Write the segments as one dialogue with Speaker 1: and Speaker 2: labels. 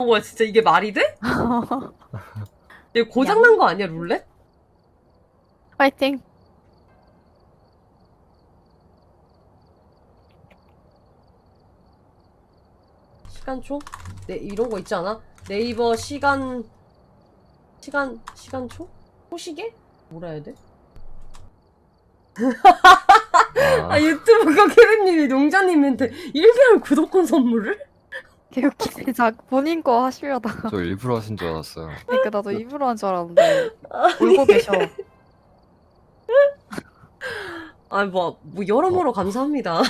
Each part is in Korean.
Speaker 1: 와 진짜 이게 말이 돼? 이거 고장난 거 아니야 룰렛?
Speaker 2: 파이팅.
Speaker 1: 시간초? 네 이런 거 있지 않아? 네이버 시간초? 호시계? 뭐라 해야 돼? 아 유튜브 거캐리님이 농자님한테 1개월 구독권 선물을?
Speaker 2: 개웃기네. 자 본인 거 하시려다가.
Speaker 3: 저 일부러 하신 줄 알았어요.
Speaker 2: 그러니까 나도 입으로 한 줄 알았는데 울고 계셔.
Speaker 1: 아 뭐 여러모로 감사합니다.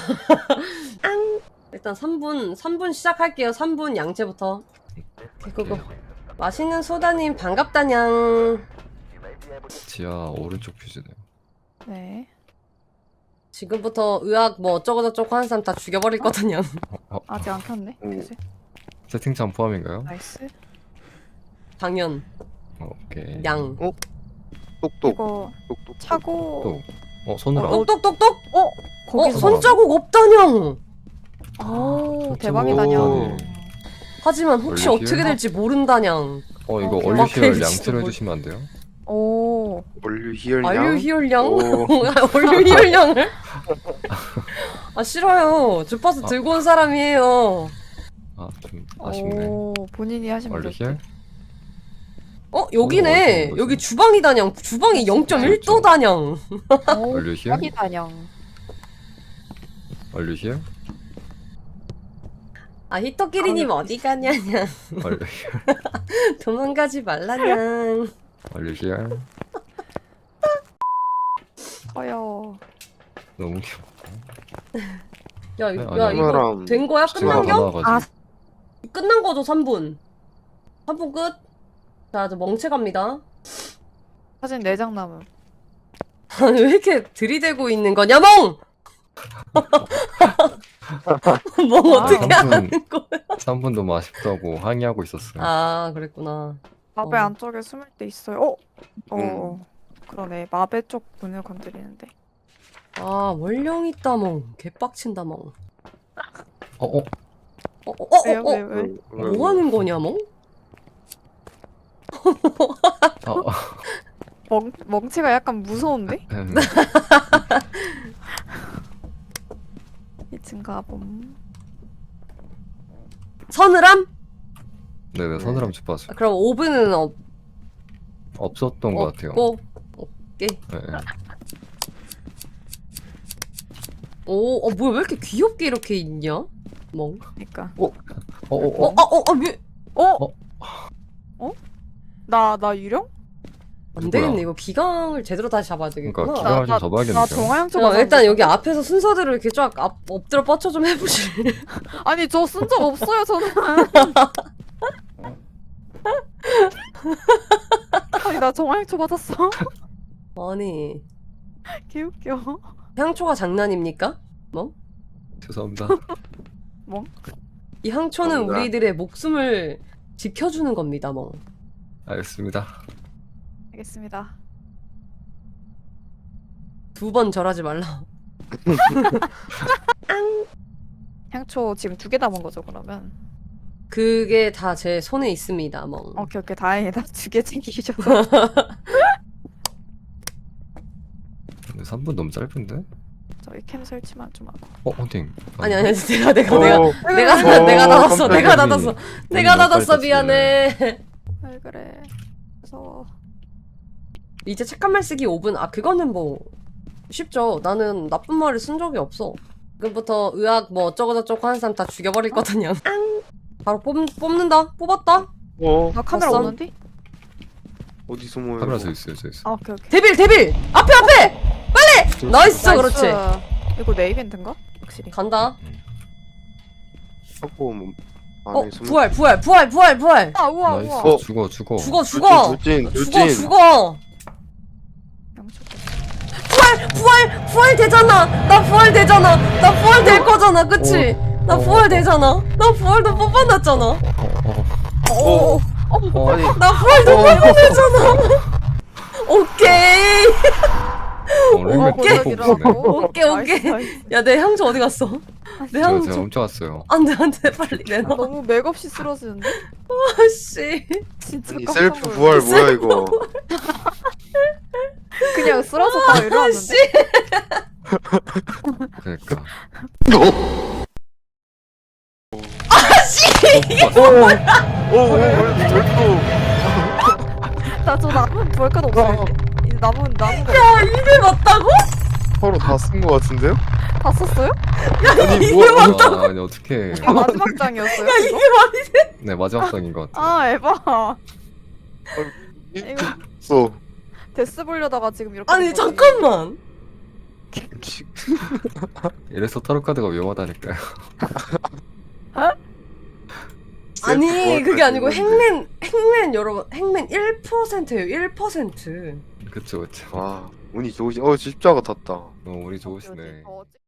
Speaker 1: 일단 3분 시작할게요. 3분 양채부터. 그거 맛있는 소다님 반갑다냥.
Speaker 3: 지하 오른쪽 퓨즈네요.
Speaker 2: 네.
Speaker 1: 지금부터 의학 뭐 어쩌고저쩌고 하는 사람 다 죽여버릴 거든요.
Speaker 2: 아직 안 켰네. 그치?
Speaker 3: 채팅창 포함인가요?
Speaker 2: 나이스.
Speaker 1: 당연
Speaker 3: 오케이.
Speaker 1: 양.
Speaker 4: 똑똑
Speaker 2: 이거
Speaker 4: 똑똑
Speaker 2: 차고.
Speaker 3: 손으로 안.
Speaker 1: 똑똑똑똑.
Speaker 2: 거기서
Speaker 1: 손자국 없다냥.
Speaker 2: 오
Speaker 3: 손자국
Speaker 2: 대박이다냐.
Speaker 3: 없다니.
Speaker 1: 하지만 혹시
Speaker 3: 원래
Speaker 1: 어떻게
Speaker 3: 기회가?
Speaker 1: 될지 모른다냥.
Speaker 3: 이거
Speaker 2: 오케이.
Speaker 3: 얼류시열
Speaker 1: 오케이,
Speaker 3: 양치를
Speaker 1: 진짜
Speaker 3: 해주시면 안 돼요?
Speaker 2: 오.
Speaker 4: 원류 희열량
Speaker 1: 알류 희열량?
Speaker 4: 오.
Speaker 1: 얼류 희열량을? 아 싫어요. 주파수 들고 온 사람이에요.
Speaker 3: 좀 아쉽네.
Speaker 2: 오 본인이 하시면
Speaker 3: 얼류
Speaker 2: 돼.
Speaker 3: 희열?
Speaker 1: 여기네.
Speaker 3: 어디서
Speaker 1: 여기 주방이다냥. 주방이 0.1도다냥.
Speaker 2: 오
Speaker 3: 얼류 희열?
Speaker 2: 대박이다냥.
Speaker 3: 얼류 희열?
Speaker 1: 아 히토끼리님 어디 가냐냥.
Speaker 3: 얼류 희열?
Speaker 1: 도망가지 말라냥.
Speaker 3: 얼류 희열?
Speaker 2: 커요.
Speaker 3: 너무 귀여워.
Speaker 1: 야
Speaker 3: 아니,
Speaker 1: 이거
Speaker 4: 사람
Speaker 1: 된 거야? 끝난
Speaker 3: 제가
Speaker 1: 겨?
Speaker 3: 나와가지고.
Speaker 1: 끝난 거죠 3분. 3분 끝. 자, 저 멍체 갑니다.
Speaker 2: 사진 4장 남음.
Speaker 1: 아니, 왜 이렇게 들이대고 있는 거냐, 멍! 멍 어떻게
Speaker 3: 아,
Speaker 1: 하는 거야?
Speaker 3: 3분 너무 아쉽다고 항의하고 있었어요.
Speaker 1: 아, 그랬구나.
Speaker 2: 마베
Speaker 1: 어.
Speaker 2: 안쪽에 숨을 때 있어요. 그러네. 마베 쪽 문을 건드리는데.
Speaker 1: 아, 월령 있다, 멍. 개빡친다, 멍.
Speaker 2: 왜요? 왜?
Speaker 1: 뭐 하는 거냐, 멍?
Speaker 2: 멍치가 약간 무서운데? 2층 가봄.
Speaker 1: 서늘함?
Speaker 3: 네네, 서늘함 주파수.
Speaker 1: 아, 그럼 오븐은
Speaker 3: 없었던 것 같아요.
Speaker 1: 없고.
Speaker 3: 네.
Speaker 1: 뭐야, 왜 이렇게 귀엽게 이렇게 있냐? 멍.
Speaker 2: 그니까.
Speaker 1: 왜?
Speaker 2: 나 유령?
Speaker 1: 안
Speaker 3: 누구야?
Speaker 1: 되겠네. 이거 기강을 제대로 다시 잡아야 되겠구나.
Speaker 3: 그러니까 기강을 좀
Speaker 2: 나
Speaker 3: 잡아야겠는데요.
Speaker 2: 정화향초가
Speaker 1: 일단 여기 앞에서 순서대로 이렇게 쫙 엎드려 뻗쳐 좀 해보실래요?
Speaker 2: 아니 저 쓴 적 없어요 저는. 아니 나 정화향초 받았어.
Speaker 1: 아니
Speaker 2: 개웃겨.
Speaker 1: 향초가 장난입니까? 뭐?
Speaker 3: 죄송합니다.
Speaker 2: 뭐?
Speaker 1: 이 향초는
Speaker 4: 감사합니다.
Speaker 1: 우리들의 목숨을 지켜주는 겁니다. 뭐.
Speaker 3: 알겠습니다.
Speaker 2: 알겠습니다.
Speaker 1: 2번 절하지 말라.
Speaker 2: 향초 지금 2개 담은 거죠 그러면?
Speaker 1: 그게 다 제 손에 있습니다. 뭐.
Speaker 2: 오케이 다행이다. 2개 챙기셔서.
Speaker 3: 근데 3분 너무 짧은데?
Speaker 2: 저희 캠 설치만 좀 하고.
Speaker 3: 헌팅.
Speaker 1: 아니 내가
Speaker 4: 깜짝이야.
Speaker 1: 닫았어. 내가 닫았어. 내가 닫았어.
Speaker 3: 빨리
Speaker 1: 미안해.
Speaker 2: 왜 그래. 무서워.
Speaker 1: 이제 착한 말 쓰기 5분. 아 그거는 뭐 쉽죠. 나는 나쁜 말을 쓴 적이 없어. 지금부터 의학 뭐 어쩌고저쩌고 하는 사람 다 죽여버릴 거든요. 바로 뽑는다. 뽑았다.
Speaker 2: 나 카메라
Speaker 1: 봤어?
Speaker 2: 오는데?
Speaker 4: 어디 숨어요?
Speaker 3: 카메라 저 있어요, 저 있어요.
Speaker 2: 아 오케이.
Speaker 1: 데빌 앞에 빨리 나이스 그렇지.
Speaker 2: 이거 내 이벤트인가? 확실히.
Speaker 1: 간다.
Speaker 4: 하고 안에 숨어.
Speaker 1: 부활
Speaker 2: 아 우와
Speaker 3: 나이스.
Speaker 2: 우와.
Speaker 3: 죽어.
Speaker 4: 돌진.
Speaker 1: 죽어
Speaker 2: 양초.
Speaker 1: 부활 되잖아. 나 부활 될 거잖아. 그치? 나 부활 되잖아. 나 부활도 뽑아놨잖아.
Speaker 4: 아니
Speaker 1: 나 부활도 뽑아냈잖아. 오케이.
Speaker 3: 랭백
Speaker 1: 오케이.
Speaker 3: 뽑으시네.
Speaker 1: 오케이. 야 내 향초 어디 갔어? 내 한
Speaker 3: 제가
Speaker 1: 좀
Speaker 3: 훔쳐왔어요.
Speaker 1: 안돼 빨리 내놔.
Speaker 2: 너무 맥없이 쓰러지는데?
Speaker 1: 아씨.
Speaker 2: 진짜
Speaker 4: 아니
Speaker 2: 깜짝
Speaker 4: 셀프
Speaker 2: 놀랐네.
Speaker 4: 부활 뭐야 이거?
Speaker 2: 그냥 쓰러졌다
Speaker 1: 아씨.
Speaker 2: 이러는데.
Speaker 3: 그러니까.
Speaker 2: 나저 남은 볼까도 없어요. 이 남은 거
Speaker 1: 야 이게 맞다고?
Speaker 4: 서로 다 쓴 거 같은데요?
Speaker 2: 다 썼어요?
Speaker 4: 아니 뭐
Speaker 3: 아, 아니 어떻게?
Speaker 2: 이거 마지막 장이었어요?
Speaker 1: 야 이게
Speaker 2: 이거?
Speaker 1: 말이 돼?
Speaker 3: 네 마지막 장인 것 같아.
Speaker 2: 아 에바. 이거
Speaker 4: 써.
Speaker 2: 데스 보려다가 지금 이렇게.
Speaker 1: 아니
Speaker 2: 된 거지.
Speaker 1: 잠깐만.
Speaker 3: 이래서 타로 카드가 위험하다니까요.
Speaker 1: 아니 그게 아니고 행맨 여러분 행맨 1%예요 1%.
Speaker 3: 그쵸 그쵸.
Speaker 4: 와 운이 좋으시. 십자가 탔다.
Speaker 3: 우리 좋으시네.
Speaker 2: 어,